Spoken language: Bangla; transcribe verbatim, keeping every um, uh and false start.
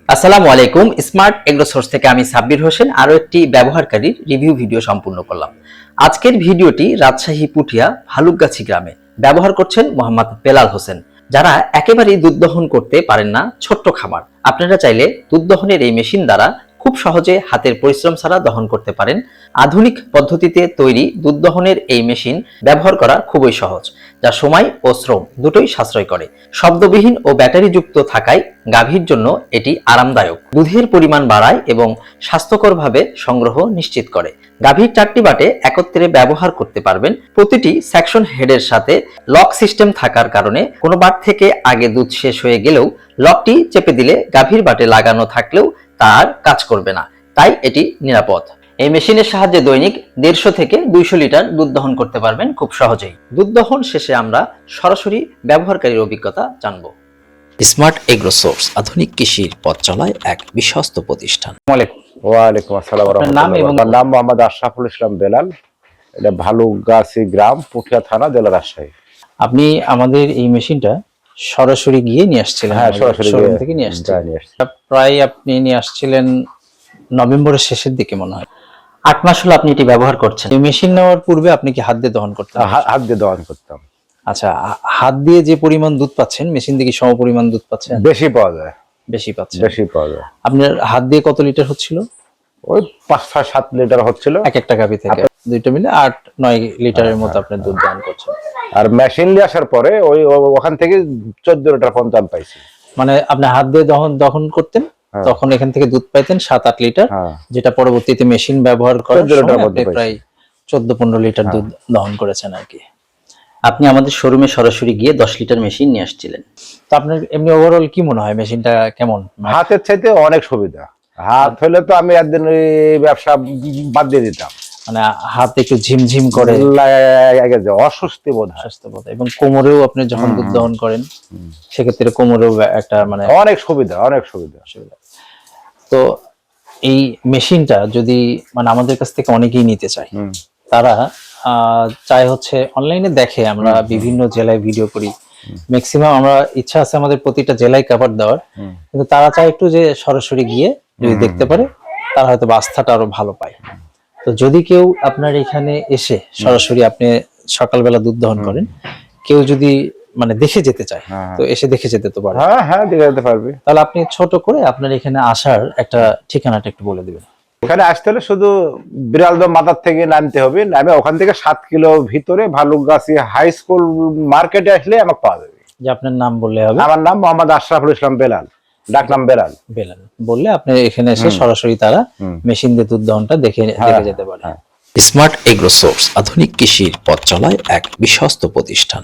আসসালামু আলাইকুম। স্মার্ট এগ্রো সোর্স থেকে আমি সাব্বির হোসেন আরো একটি ব্যবহারকারীর রিভিউ ভিডিও সম্পূর্ণ করলাম। আজকের ভিডিওটি রাজশাহী পুঠিয়া ভালুকগাছি গ্রামে ব্যবহার করছেন মোহাম্মদ বেলাল হোসেন, যারা একেবারেই দুধ দহন করতে পারেন না, ছোট্ট খামার। আপনারা চাইলে দুধ দহনের এই মেশিন দ্বারা খুব সহজে হাতের পরিশ্রম ছাড়া দহন করতে পারেন। আধুনিক পদ্ধতিতে তৈরি দুধ দহনের এই মেশিন ব্যবহার করা খুবই সহজ, যা সময় ও শ্রম দুটোই সাশ্রয় করে। শব্দবিহীন ও ব্যাটারিযুক্ত থাকায় গাভীর জন্য এটি আরামদায়ক, দুধের পরিমাণ বাড়ায় এবং স্বাস্থ্যকরভাবে সংগ্রহ নিশ্চিত করে। গাভীর চারটি বাটে একত্রে ব্যবহার করতে পারবেন। প্রতিটি সেকশন হেডের সাথে লক সিস্টেম থাকার কারণে কোনো বাট থেকে আগে দুধ শেষ হয়ে গেলেও লকটি চেপে দিলে গাভীর বাটে লাগানো থাকলেও তার কাজ করবে না, তাই এটি নিরাপদ। এই মেশিনের সাহায্যে দৈনিক দেড়শো থেকে দুইশো লিটার দুধ দহন করতে পারবেন খুব সহজেই। দুধ দহন শেষে আমরা সরাসরি ব্যবহারকারীর অভিজ্ঞতা জানব। স্মার্ট এগ্রো সোর্স আধুনিক কৃষির পথ চলায় এক বিশ্বস্ত প্রতিষ্ঠান। ওয়ালাইকুম আসসালাম। নাম এবং নাম মোহাম্মদ আশরাফুল ইসলাম বেলাল। এটা ভালুকগাছি গ্রাম, পুঠিয়া থানা, জেলা রাজশাহী। আপনি আমাদের এই মেশিনটা সরাসরি গিয়ে নিয়ে আসছিলেন? হ্যাঁ, সরাসরি শোরুম থেকে নিয়ে আসছিলেন। প্রায় আপনি নিয়ে আসছিলেন নভেম্বরের শেষের দিকে মনে হয়। আট মাস হলো আপনি এটি ব্যবহার করছেন। এই মেশিন নেওয়ার পূর্বে আপনি কি হাত দিয়ে দহন করতেন? হাত দিয়ে দহন করতাম। আচ্ছা, হাত দিয়ে যে পরিমাণ দুধ পাচ্ছেন মেশিন থেকে সম পরিমাণ দুধ পাচ্ছেন? বেশি পাওয়া যায়। বেশি পাচ্ছেন? বেশি পাওয়া যায়। আপনার হাত দিয়ে কত লিটার হচ্ছিল? ওই পাঁচ ছয় সাত লিটার হচ্ছিল এক একটা গাভী থেকে। দুইটা মিলে আট নয় লিটারের মতো আপনি দুধ দহন করছেন। আর মেশিন নিয়ে আসার পরে ওই ওখান থেকে চোদ্দ লিটার পর্যন্ত আমি পাইছি। মানে আপনি হাত দিয়ে দহন দহন করতেন, তখন এখান থেকে দুধ পাইতেন সাত আট লিটার, যেটা পরবর্তীতে মেশিন ব্যবহার করার সময় প্রায় চোদ্দ পনেরো লিটার দুধ দহন করেছেন আর কি। আপনি আমাদের শোরুমে সরাসরি গিয়ে দশ লিটার মেশিন নিয়ে আসছিলেন। তো আপনার এমনি ওভারঅল কি মনে হয় মেশিনটা কেমন? হাতের চাইতে অনেক সুবিধা। হাত হলে তো আমি একদিন ব্যবসা বাদ দিয়ে দিতাম। মানে হাত একটু ঝিমঝিম করে, অস্বস্তি বোধ হয়, অস্বস্তি বোধ। এবং কোমরেও আপনি যখন দুধ দহন করেন সেক্ষেত্রে কোমরেও একটা মানে অনেক সুবিধা, অনেক সুবিধা সুবিধা। তো এই মেশিনটা যদি মানে আমাদের কাছ থেকে অনেকেই নিতে চায়, তারা চাই হচ্ছে অনলাইনে দেখে, আমরা বিভিন্ন জেলায় ভিডিও করি, ম্যাক্সিমাম আমরা ইচ্ছা আছে আমাদের প্রতিটা জেলায় কভার দেওয়ার, কিন্তু তারা চায় একটু যে সরাসরি গিয়ে যদি দেখতে পারে তারা হয়তো আস্থাটা আরো ভালো পায়। তো যদি কেউ আপনার এখানে এসে সরাসরি আপনি সকালবেলা দুধ দহন করেন, কেউ যদি মানে দেখে যেতে চায় তো এসে দেখে যেতে তো পারে। হ্যাঁ হ্যাঁ, দেখে যেতে পারবে। তাহলে আপনি ছোট করে আপনার এখানে আসার একটা ঠিকানাটা একটু বলে দিবেন। এখানে আসতে হলে শুধু বিড়ালদহ মাথার থেকে নামতে হবে, নামে ওখান থেকে সাত কিলো ভিতরে ভালুকগাছি হাই স্কুল মার্কেটে আসলে আমাকে পাওয়া যাবে। যে আপনার নাম বললে হবে? আমার নাম মোহাম্মদ আশরাফুল ইসলাম বেলাল, ডাকনাম বেলাল। বেলাল বললে আপনি এখানে এসে সরাসরি তারা মেশিন দিয়ে দুধ দহনটা দেখে দেখে যেতে পারে। স্মার্ট এগ্রো সোর্স আধুনিক কৃষির পথ চলায় এক বিশ্বস্ত প্রতিষ্ঠান।